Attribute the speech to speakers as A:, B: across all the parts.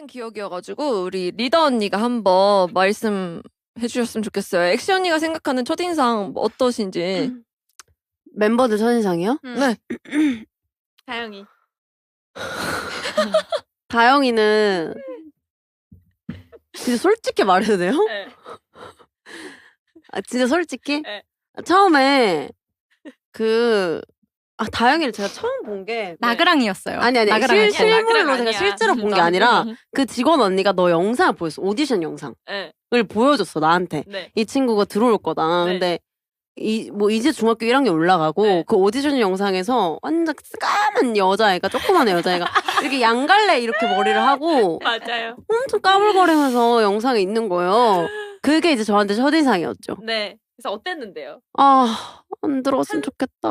A: 기억이어가지고 우리 리더 언니가 한번 말씀해 주셨으면 좋겠어요. 엑시 언니가 생각하는 첫인상 뭐 어떠신지.
B: 멤버들 첫인상이요?
A: 네.
C: 다영이.
B: 다영이는 진짜 솔직히 말해도 돼요?
C: 네.
B: 아, 진짜 솔직히?
C: 네.
B: 처음에 다영이를 제가 처음 본 게
D: 나그랑이었어요.
B: 아니
D: 나그랑 아니야?
B: 실물로
C: 나그랑
B: 제가
C: 아니야.
B: 실제로 본 게 아니라 그 직원 언니가 너 영상을 보였어. 오디션 영상을
C: 네.
B: 보여줬어 나한테.
C: 네.
B: 이 친구가 들어올 거다.
C: 네.
B: 근데 이제 중학교 1학년 올라가고
C: 네.
B: 그 오디션 영상에서 완전 까만 여자애가 조그만 여자애가 이렇게 양갈래 이렇게 머리를 하고
C: 맞아요.
B: 엄청 까불거리면서 영상에 있는 거예요. 그게 이제 저한테 첫인상이었죠.
C: 네. 그래서 어땠는데요?
B: 아, 안 들어왔으면 좋겠다.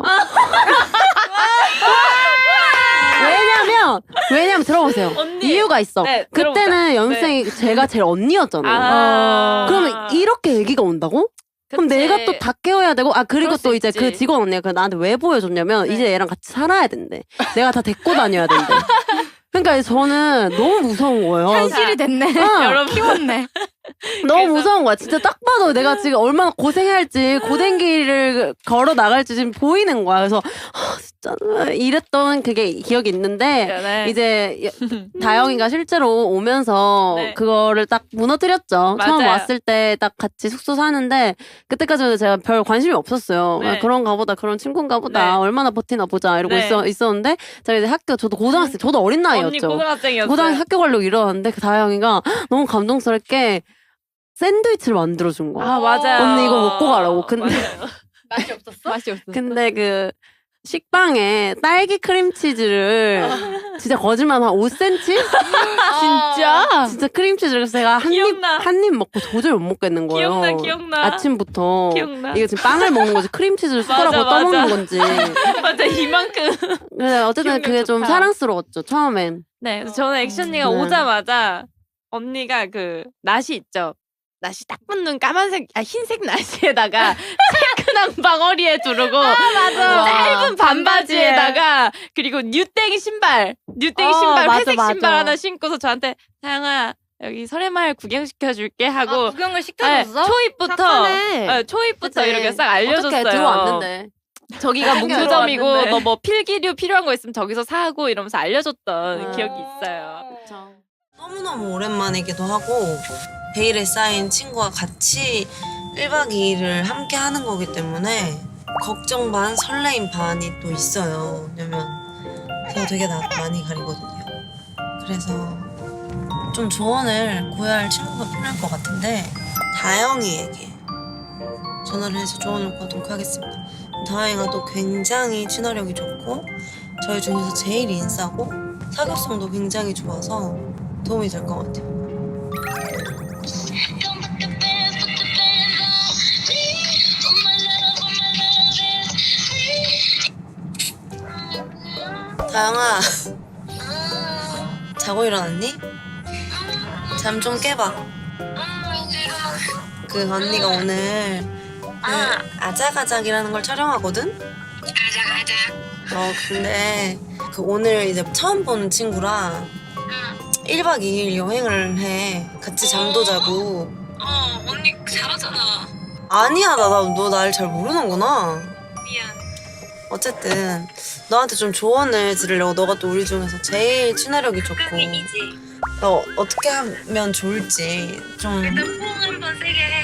B: 왜냐면 들어보세요.
C: 언니.
B: 이유가 있어.
C: 네,
B: 그때는
C: 들어보자.
B: 연습생이 제가 제일 언니였잖아요. 그러면 이렇게 얘기가 온다고? 그럼
C: 그치.
B: 내가 또 다 깨워야 되고 그리고
C: 그럴 수
B: 또 이제
C: 있지.
B: 그 직원 언니가 나한테 왜 보여줬냐면
C: 네.
B: 이제 얘랑 같이 살아야 된대. 내가 다 데리고 다녀야 된대. 그러니까 저는 너무 무서운 거예요.
D: 현실이 됐네.
C: 여러분.
D: 키웠네.
B: 너무
C: 그래서-
B: 무서운 거야. 진짜 딱 봐도 내가 지금 얼마나 고생해야 할지 고된길을 걸어 나갈지 지금 보이는 거야. 그래서 진짜 이랬던 그게 기억이 있는데
C: 네.
B: 이제 다영이가 실제로 오면서
C: 네.
B: 그거를 딱 무너뜨렸죠. 처음
C: 맞아요.
B: 왔을 때 딱 같이 숙소 사는데 그때까지는 제가 별 관심이 없었어요.
C: 네.
B: 그런가 보다 그런 친구인가 보다
C: 네.
B: 얼마나 버티나 보자 이러고
C: 네.
B: 있었는데 제가 이제 저도 고등학생 저도 어린
C: 언니
B: 나이였죠.
C: 고등학생이었어요.
B: 고등학교 학교 가려고 일어났는데 그 다영이가 너무 감동스럽게 샌드위치를 만들어준 거야.
C: 아 맞아요.
B: 언니 이거 먹고 가라고. 근데
C: 맞아요.
D: 맛이 없었어?
C: 맛이 없어.
B: 근데 그 식빵에 딸기 크림치즈를 진짜 거짓말 한 5cm?
D: 진짜?
B: 진짜 크림치즈를 그래서 제가
C: 기억나.
B: 한 입 먹고 도저히 못 먹겠는 거예요.
C: 기억나.
B: 아침부터
C: 기억나.
B: 이거 지금 빵을 먹는 거지 크림치즈를 숟가락으로
C: 맞아,
B: 떠먹는
C: 맞아.
B: 건지.
C: 맞아 이만큼.
B: 근데 어쨌든
C: 기억력
B: 그게 좀
C: 좋다.
B: 사랑스러웠죠 처음엔.
C: 네, 그래서 저는 액션이가
B: 네.
C: 오자마자 언니가 그 나시 있죠. 나시 딱 붙는 까만색, 흰색 나시에다가 체크랑 방어리에 두르고 짧은 반바지에다가 그리고 뉴땡 신발,
B: 맞아,
C: 회색
B: 맞아.
C: 신발 하나 신고서 저한테 다영아 여기 설해마을 구경시켜줄게 하고
D: 구경을
C: 네,
D: 시켜줬어?
C: 초입부터
B: 착하네.
C: 초입부터
B: 그치.
C: 이렇게 싹 알려줬어요.
B: 어떻게 들어왔는데.
C: 저기가 문구점이고
D: 들어왔는데.
C: 너 뭐 필기류 필요한 거 있으면 저기서 사고 이러면서 알려줬던
B: 아.
C: 기억이 있어요.
E: 너무너무 오랜만이기도 하고 베일에 쌓인 친구와 같이 1박 2일을 함께 하는 거기 때문에 걱정 반 설레임 반이 또 있어요. 왜냐면 제가 되게 많이 가리거든요. 그래서 좀 조언을 구해야 할 친구가 필요할 것 같은데 다영이에게 전화를 해서 조언을 구하도록 하겠습니다. 다영이가 또 굉장히 친화력이 좋고 저희 중에서 제일 인싸고 사교성도 굉장히 좋아서 도움이 될 것 같아요. 다영아, 자고 일어났니? 잠 좀 깨봐. 그 언니가 오늘 그 아작아작이라는 걸 촬영하거든? 근데 그 오늘 이제 처음 본 친구랑 1박 2일 여행을 해. 같이 잠도 자고.
F: 언니 잘하잖아.
E: 아니야, 너 날 잘 모르는구나.
F: 미안.
E: 어쨌든 너한테 좀 조언을 들으려고. 너가 또 우리 중에서 제일 친화력이 좋고
F: 그이지.
E: 너 어떻게 하면 좋을지 좀.
F: 일단 포옹 한번 세게 해.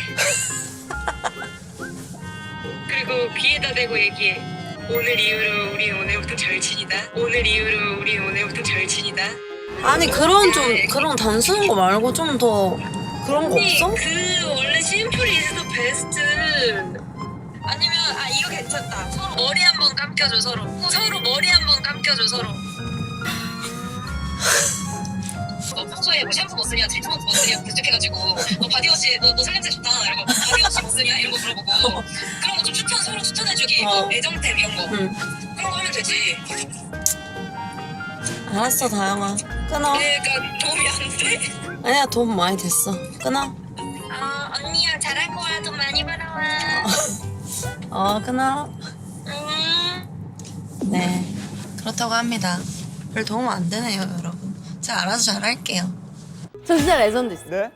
F: 그리고 귀에다 대고 얘기해. 오늘 이후로 우리 오늘부터 절친이다. 오늘 이후로 우리 오늘부터 절친이다.
E: 아니 그런 단순한 거 말고 좀 더 그런 거
F: 언니
E: 없어?
F: 그 원래 심플 이즈 더 베스트. 아니면 이거 괜찮다. 서로 머리 한번 감겨줘 서로. 서로 머리 한번 감겨줘 서로. 너 평소에 뭐 샴푸 뭐 쓰냐, 트리트먼트 뭐 쓰냐 부탁해가지고 너 바디워시 너 살냄새 좋다 이러고 바디워시 뭐 쓰냐 이런 거 물어보고 그런 거 좀 서로 추천해주기 뭐 애정템 이런 거
E: 응.
F: 그런 거 하면 되지.
E: 알았어 다영아 끊어.
F: 그러니까 도움이 안 돼?
E: 아니야 도움 많이 됐어. 끊어.
F: 언니야 잘할 거야. 돈 많이 벌어와.
E: 끊어. 네 그렇다고 합니다. 별 도움 안 되네요 여러분. 제가 알아서 잘할게요.
B: 저 진짜 레전드 있어.
G: 네?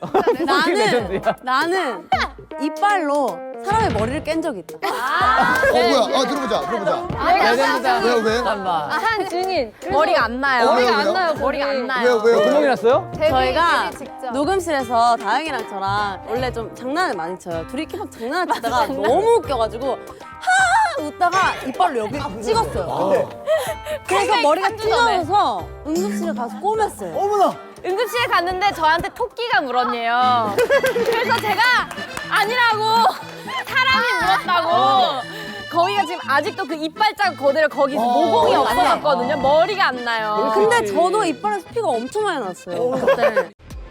B: 나는 이빨로 사람의 머리를 깬 적이 있다.
H: 뭐야? 들어보자. 왜?
D: 한 증인. 머리가 안 나요.
H: 머리가 안 나요,
D: 머리가 안 나요.
H: 왜요?
G: 구멍이 났어요?
B: 저희가 녹음실에서 다영이랑 저랑 원래 좀 장난을 많이 쳐요. 둘이 이렇게 막 장난을 치다가 너무 웃겨가지고 하 웃다가 이빨로 여기 찍었어요. 그래서 머리가 찢어져서 응급실에 가서 꼬맸어요.
G: 어머나!
D: 응급실에 갔는데 저한테 토끼가 물었네요. 그래서 제가 아니라고 사람이 물었다고. 거기가 지금 아직도 그 이빨 자국 그대로 거기서 모공이 없어졌거든요. 머리가 안 나요.
B: 근데 저도 이빨에서 피가 엄청 많이 났어요. 그때.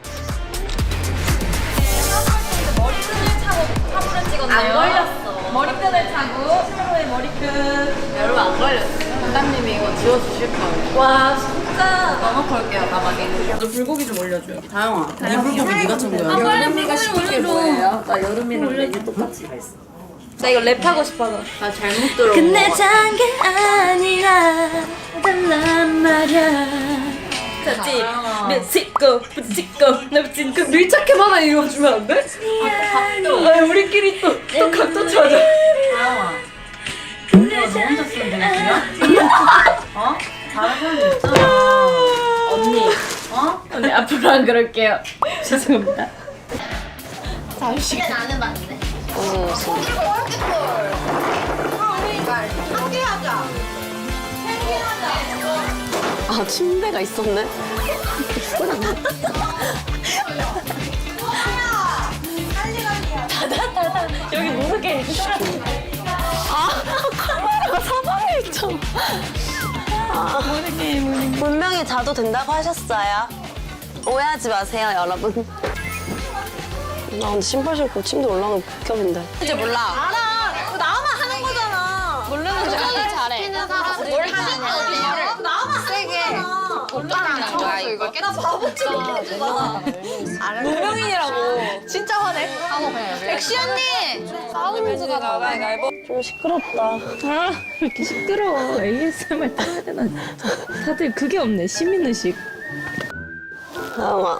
C: 안 걸렸어. 머리끈을 차고 차로의 머리끈. 여러분 안 걸렸어. 감독님이 이거 지워주실 거예요. 와 진짜 너무 걸게요 가방에. 너 불고기 좀 올려줘요.
B: 다영아, 이 불고기 네가 준 거야.
C: 여름이가 시킨 게 뭐예요? 나 여름이랑 메뉴 똑같이 가 있어. 나 이거 랩하고 싶어서. 나 잘못 들어.
I: 끝내잔 게 아니라 달란 말야.
C: 같이 멕시코 부치코 나 지금 그 밀착해 하나 읽어주면 안 돼? 각도. 아 우리끼리 또 각도 찾아.
I: 언니가 너 혼자 쓰는 멘트야?
C: 다른 사람 있잖아. 언니. 언니 앞으로 안 그럴게요. 죄송합니다.
I: 근데 나는 맞네.
B: 아 침대가 있었네.
C: 여기 모르게.
B: 분명히 자도 된다고 하셨어요. 오해하지 마세요, 여러분. 나 근데 신발 신고 침대 올라가면 극혐인데. 이제 몰라. 알아. 나만 하는 거잖아. 모르는 줄 잘해.
I: 뭘 하는
B: 나만 세게.
I: 올라가는 거야 이거.
B: 나 바보처럼
C: 문명인이라고. 진짜 화내.
I: 백시 언니.
B: 사운드가 나가. 좀 시끄럽다.
C: 이렇게 시끄러워. ASMR 따야 되나? 다들 그게 없네. 시민의식.
B: 다영아.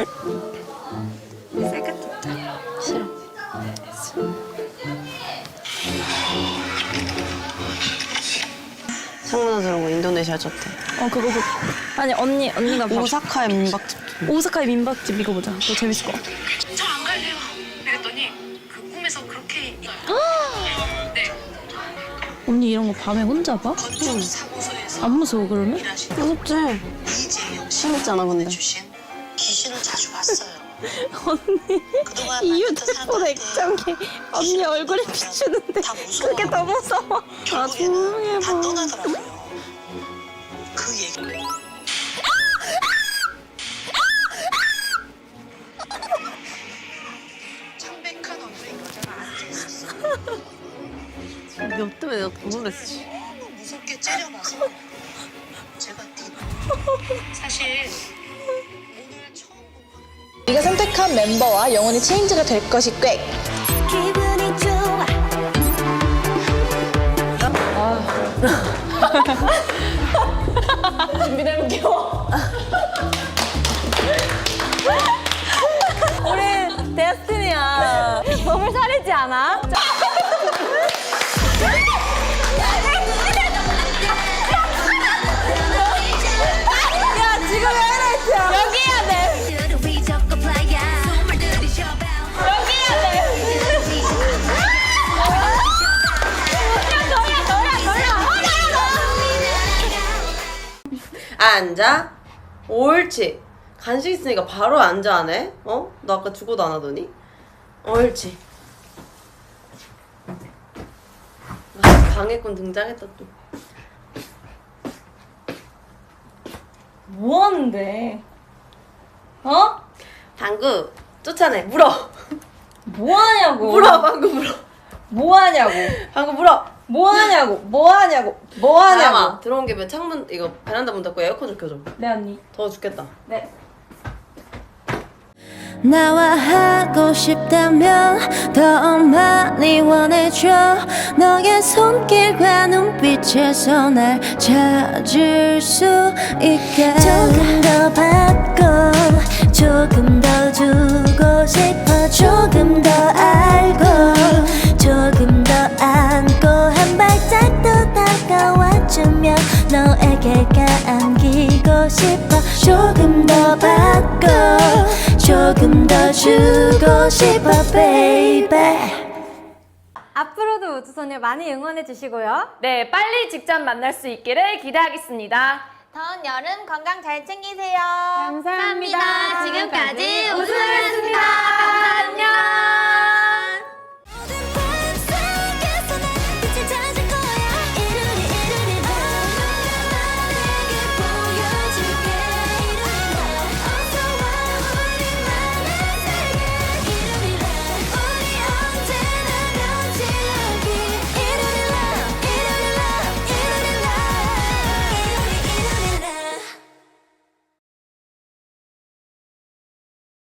B: 창문에 들어온 거 인도네시아 쳤대.
C: 그거 아니 언니가
B: 오사카의 민박집.
C: 오사카의 민박집 이거 보자. 그거 재밌을 것 같아.
F: 저 안 갈래요. 그랬더니 그 꿈에서 그렇게 네.
C: 언니 이런 거 밤에 혼자 봐?
F: 건축 사무소에서
C: 안 무서워 그러면?
B: 무섭지?
F: 이재영 씨
B: 재밌잖아 근데.
F: 주신 귀신을 자주 봤어요.
C: 언니
F: 그동안
C: 이
F: 만났던
C: 휴대폰
F: 사람한테
C: 액정이 언니 얼굴에 비추는데
F: 다 무서워.
C: 그게 더 무서워.
F: 결국에는 다 떠나더라고요. 그 얘기. 창백한 얼굴의 여자가 앉아 있었어.
B: 너 때문에 내가 더 놀랬어.
F: 너무 무섭게 째려봐서 제가 사실 오늘 처음 본 건.
I: 네가 선택한 멤버와 영원히 체인지가 될 것이 꽤. 기분이 좋아.
C: 준비되면 귀여워.
B: 우리 데스티니야.
D: 너무 사리지 않아?
B: 야 지금 하이라이트야.
I: 여기 해야 돼.
B: 앉아. 옳지. 간식 있으니까 바로 앉아 안 해? 너 아까 죽어도 안 하더니? 옳지. 방해꾼 등장했다 또.
C: 뭐 하는데?
B: 방구 쫓아내. 물어.
C: 뭐 하냐고.
B: 물어. 방구 물어.
C: 뭐 하냐고.
B: 방구 물어.
C: 뭐 하냐고. 뭐 하냐고. 뭐 하냐고.
B: 다영아 들어온 김에 창문 이거 베란다 문 닫고 에어컨 좀 켜줘.
C: 네 언니.
B: 더워 죽겠다.
C: 네.
I: 나와 하고 싶다면 더 많이 원해줘. 너의 손길과 눈빛에서 날 찾을 수 있게. 조금 더 받고 조금 더 주고 싶어 조금 더 알고 조금 더 안고 한 발짝 더 다가와주면 너에게 안기고 싶어 조금 더 받고 조금 더 주고 싶어 baby.
G: 앞으로도 우주소녀 많이 응원해 주시고요. 네, 빨리 직접 만날 수 있기를 기대하겠습니다.
D: 다음 여름 건강 잘 챙기세요.
G: 감사합니다.
D: 지금까지 우승